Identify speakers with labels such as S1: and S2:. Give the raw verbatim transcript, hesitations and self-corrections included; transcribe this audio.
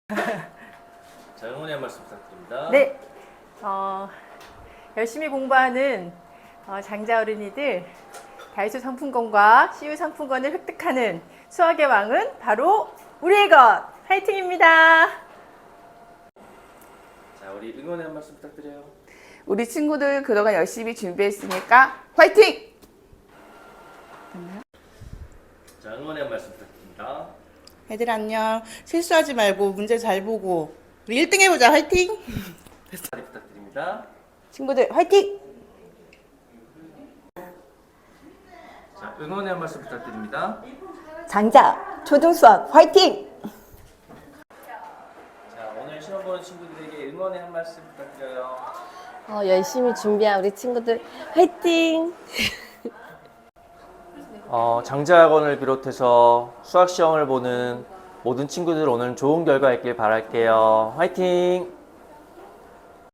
S1: 자, 응원의 한 말씀 부탁드립니다.
S2: 네, 어, 열심히 공부하는 어, 장자 어린이들 다이소 상품권과 씨유 상품권을 획득하는 수학의 왕은 바로 우리의 것! 화이팅입니다.
S1: 자, 우리 응원의 한 말씀 부탁드려요.
S3: 우리 친구들 그동안 열심히 준비했으니까 화이팅!
S1: 자, 응원의 한 말씀 부탁드립니다.
S4: 애들 안녕. 실수하지 말고 문제 잘 보고 우리 일 등 해보자. 화이팅!
S1: 자리 부탁드립니다.
S4: 친구들 화이팅!
S1: 자, 응원의 한 말씀 부탁드립니다.
S5: 장자 초등수학 화이팅!
S1: 자, 오늘 시험 보는 친구들에게 응원의 한 말씀 부탁드려요.
S5: 어, 열심히 준비한 우리 친구들 화이팅!
S1: 어, 장자학원을 비롯해서 수학 시험을 보는 모든 친구들 오늘 좋은 결과 있길 바랄게요. 화이팅!